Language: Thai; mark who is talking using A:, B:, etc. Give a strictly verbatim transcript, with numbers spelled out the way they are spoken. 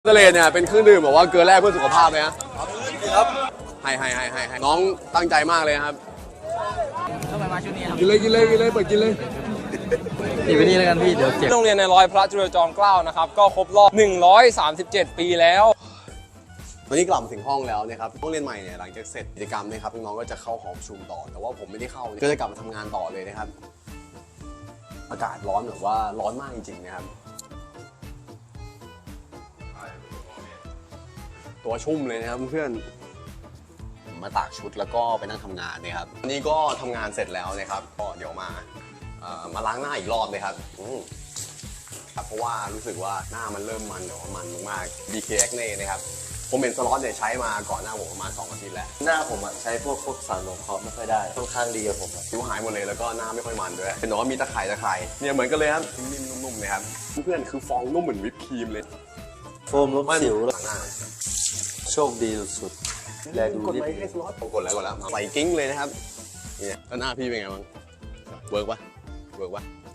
A: ทะเลเนี่ยเป็นเครื่องดื่มแบบว่าเกลือแร่เพื่อสุขภาพเลยนะครับให้ให้ให้ให้ให้น้องตั้งใจมากเลยครับทำไมมาชุดนี้ครับกินเลยกินเลยกินเลยเปิดกินเลย
B: นี่ไปนี่แล้วกันพี่เดี๋ยวเจ็บ
C: โรงเรียนในร้อยพระจุลจอมเกล้านะครับก็ครบรอบหนึ่งร้อยสามสิบเจ็ดปีแล้ว
A: วันนี้กลับมาถึงห้องแล้วนะครับห้องเรียนใหม่เนี่ยหลังจากเสร็จกิจกรรมนะครับน้องๆก็จะเข้าหอประชุมต่อแต่ว่าผมไม่ได้เข้าก็จะกลับมาทำงานต่อเลยนะครับอากาศร้อนแบบว่าร้อนมากจริงๆนะครับตัวชุ่มเลยนะครับเพื่อนมาตากชุดแล้วก็ไปนั่งทำงานนะครับวันนี้ก็ทำงานเสร็จแล้วนะครับก็เดี๋ยวมามาล้างหน้าอีกรอบเลยครับครับเพราะว่ารู้สึกว่าหน้ามันเริ่มมันแต่ว่ามันมาก บี เค Acne นะครับผมเห็นสล็อตเนี่ยใช้มาก่อนหน้าผมประมาณสองอาทิตย์แล้ว
B: หน้าผมอ่ะใช้พวกพวกสารลงเคราะห์ไม่ค่อยได้ค่อนข้างดีกับผม
A: ผิวหายหมดเลยแล้วก็หน้าไม่ค่อยมันด้วยเป็นน้องมีตะไคร่ตะไคร่เนี่ยเหมือนกันเลยครับนิ่มๆนุ่มๆนะครับเพื่อนคือฟองนุ่มเหมือนวิปครีมเลย
B: โฟมลบสิว
A: หน้า
B: โชคดีสุดๆแลดู
A: กดไลค์ให้สล็อตกดแล้วกดแล้วใส่กิ้งเลยนะครับเนี่ยแล้วหน้าพี่เป็นไงบ้างเวิร์กปะเวิร์กปะ